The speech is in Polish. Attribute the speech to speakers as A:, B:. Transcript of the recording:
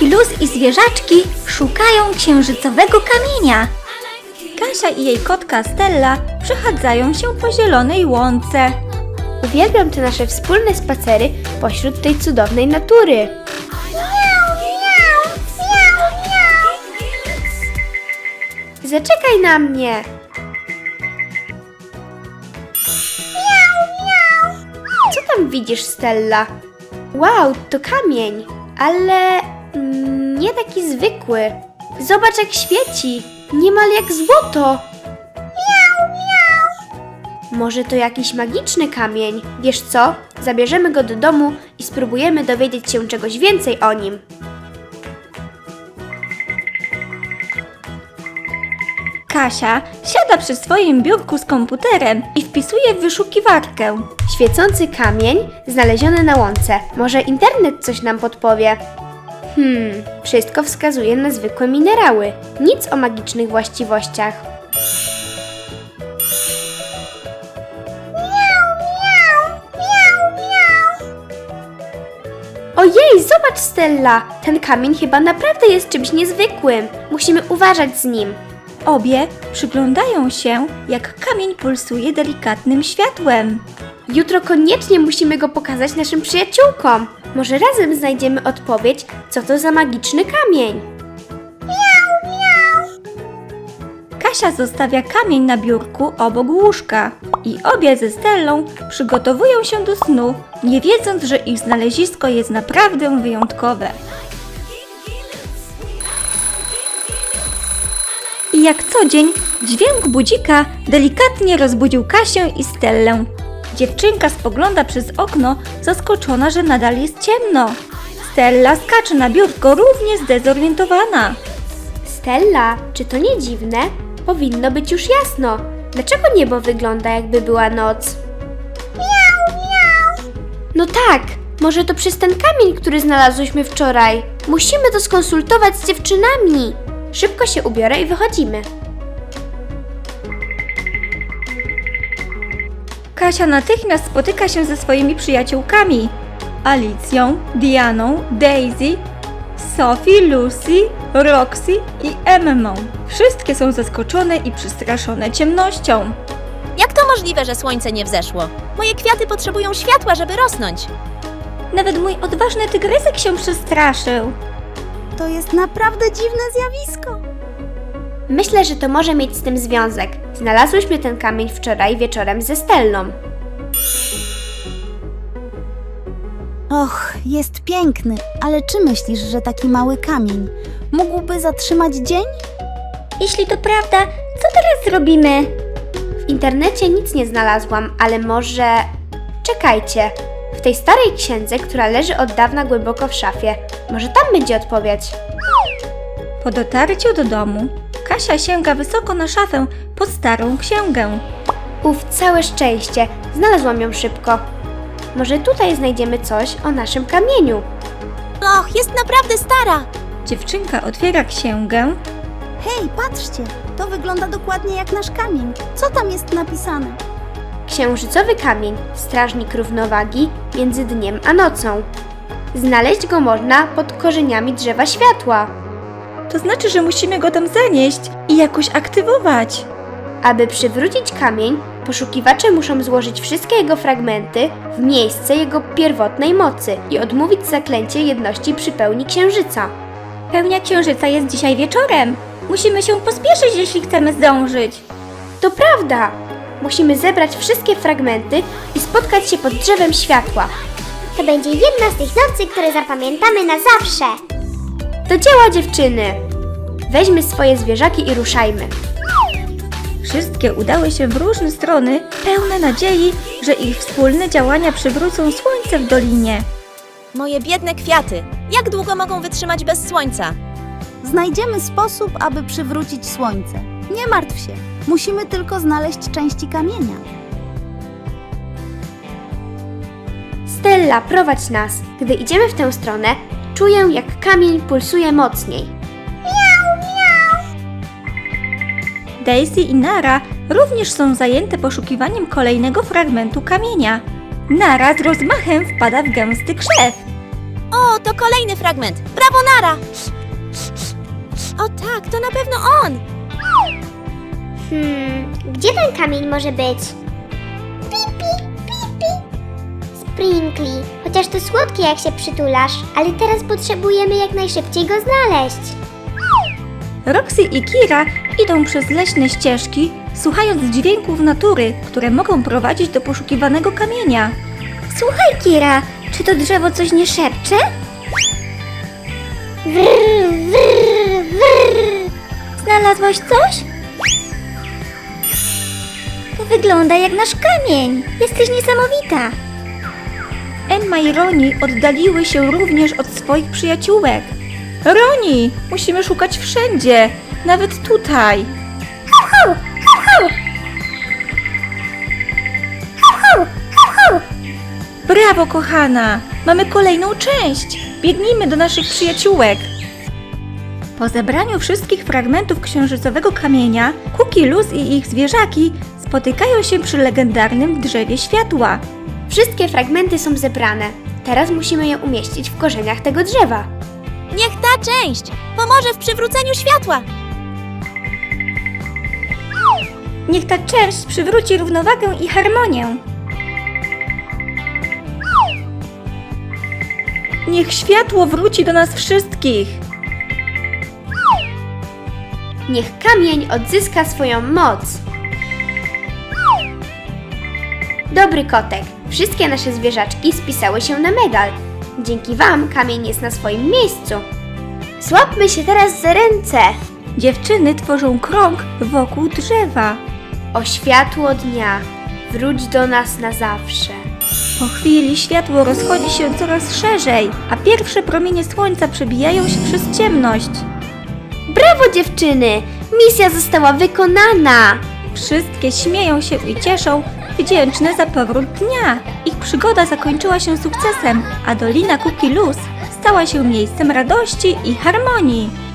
A: Sophie, Luz i zwierzaczki szukają księżycowego kamienia. Kasia i jej kotka Stella przechadzają się po zielonej łące.
B: Uwielbiam te nasze wspólne spacery pośród tej cudownej natury. Zaczekaj na mnie! Co tam widzisz, Stella? Wow, to kamień, ale nie taki zwykły. Zobacz, jak świeci, niemal jak złoto. Może to jakiś magiczny kamień? Wiesz co? Zabierzemy go do domu i spróbujemy dowiedzieć się czegoś więcej o nim.
A: Kasia siada przy swoim biurku z komputerem i wpisuje w wyszukiwarkę.
B: Świecący kamień znaleziony na łące. Może internet coś nam podpowie? Wszystko wskazuje na zwykłe minerały. Nic o magicznych właściwościach. Ojej, zobacz, Stella! Ten kamień chyba naprawdę jest czymś niezwykłym. Musimy uważać z nim.
A: Obie przyglądają się, jak kamień pulsuje delikatnym światłem.
B: Jutro koniecznie musimy go pokazać naszym przyjaciółkom. Może razem znajdziemy odpowiedź, co to za magiczny kamień.
A: Kasia zostawia kamień na biurku obok łóżka i obie ze Stellą przygotowują się do snu, nie wiedząc, że ich znalezisko jest naprawdę wyjątkowe. I jak co dzień, dźwięk budzika delikatnie rozbudził Kasię i Stellę. Dziewczynka spogląda przez okno, zaskoczona, że nadal jest ciemno. Stella skacze na biurko równie zdezorientowana.
B: Stella, czy to nie dziwne? Powinno być już jasno. Dlaczego niebo wygląda, jakby była noc? No tak, może to przez ten kamień, który znalazłyśmy wczoraj. Musimy to skonsultować z dziewczynami. Szybko się ubiorę i wychodzimy.
A: Kasia natychmiast spotyka się ze swoimi przyjaciółkami. Alicją, Dianą, Daisy, Sophie, Lucy, Roxy i Emmą. Wszystkie są zaskoczone i przestraszone ciemnością.
C: Jak to możliwe, że słońce nie wzeszło? Moje kwiaty potrzebują światła, żeby rosnąć.
A: Nawet mój odważny tygrysek się przestraszył.
D: To jest naprawdę dziwne zjawisko.
B: Myślę, że to może mieć z tym związek. Znalazłyśmy ten kamień wczoraj wieczorem ze Stellą.
D: Och, jest piękny, ale czy myślisz, że taki mały kamień mógłby zatrzymać dzień?
A: Jeśli to prawda, co teraz zrobimy?
B: W internecie nic nie znalazłam, ale może... Czekajcie. W tej starej księdze, która leży od dawna głęboko w szafie. Może tam będzie odpowiedź.
A: Po dotarciu do domu, Kasia sięga wysoko na szafę pod starą księgę.
B: Całe szczęście. Znalazłam ją szybko. Może tutaj znajdziemy coś o naszym kamieniu.
C: Och, jest naprawdę stara!
A: Dziewczynka otwiera księgę.
D: Hej, patrzcie, to wygląda dokładnie jak nasz kamień. Co tam jest napisane?
B: Księżycowy kamień, strażnik równowagi między dniem a nocą. Znaleźć go można pod korzeniami drzewa światła.
A: To znaczy, że musimy go tam zanieść i jakoś aktywować.
B: Aby przywrócić kamień, poszukiwacze muszą złożyć wszystkie jego fragmenty w miejsce jego pierwotnej mocy i odmówić zaklęcie jedności przy pełni księżyca.
A: Pełnia księżyca jest dzisiaj wieczorem. Musimy się pospieszyć, jeśli chcemy zdążyć.
B: To prawda! Musimy zebrać wszystkie fragmenty i spotkać się pod drzewem światła.
E: To będzie jedna z tych nocy, które zapamiętamy na zawsze.
B: Do dzieła, dziewczyny! Weźmy swoje zwierzaki i ruszajmy.
A: Wszystkie udały się w różne strony, pełne nadziei, że ich wspólne działania przywrócą słońce w dolinie.
C: Moje biedne kwiaty! Jak długo mogą wytrzymać bez słońca?
D: Znajdziemy sposób, aby przywrócić słońce. Nie martw się, musimy tylko znaleźć części kamienia.
B: Stella, prowadź nas. Gdy idziemy w tę stronę, czuję, jak kamień pulsuje mocniej.
A: Daisy i Nara również są zajęte poszukiwaniem kolejnego fragmentu kamienia. Nara z rozmachem wpada w gęsty krzew.
C: O, to kolejny fragment. Brawo, Nara! O tak, to na pewno on!
E: Gdzie ten kamień może być? Pipi, pipi. Sprinkly, chociaż to słodkie jak się przytulasz, ale teraz potrzebujemy jak najszybciej go znaleźć.
A: Roxy i Kira idą przez leśne ścieżki, słuchając dźwięków natury, które mogą prowadzić do poszukiwanego kamienia.
E: Słuchaj, Kira, czy to drzewo coś nie szepcze? Wrr, wrr, wrr. Znalazłaś coś? To wygląda jak nasz kamień. Jesteś niesamowita.
A: Emma i Roni oddaliły się również od swoich przyjaciółek. Roni, musimy szukać wszędzie, nawet tutaj.
E: Ho, ho, ho. Ho, ho, ho, ho.
A: Brawo, kochana! Mamy kolejną część! Biegnijmy do naszych przyjaciółek! Po zebraniu wszystkich fragmentów księżycowego kamienia, Cookie Luz i ich zwierzaki spotykają się przy legendarnym drzewie światła.
B: Wszystkie fragmenty są zebrane. Teraz musimy je umieścić w korzeniach tego drzewa.
C: Niech ta część pomoże w przywróceniu światła.
A: Niech ta część przywróci równowagę i harmonię. Niech światło wróci do nas wszystkich.
B: Niech kamień odzyska swoją moc. Dobry kotek, wszystkie nasze zwierzaczki spisały się na medal. Dzięki Wam kamień jest na swoim miejscu. Złapmy się teraz za ręce.
A: Dziewczyny tworzą krąg wokół drzewa.
B: O światło dnia, wróć do nas na zawsze.
A: Po chwili światło rozchodzi się coraz szerzej, a pierwsze promienie słońca przebijają się przez ciemność.
B: Brawo dziewczyny, misja została wykonana.
A: Wszystkie śmieją się i cieszą, wdzięczne za powrót dnia. Ich przygoda zakończyła się sukcesem, a Dolina Cookie Luz stała się miejscem radości i harmonii.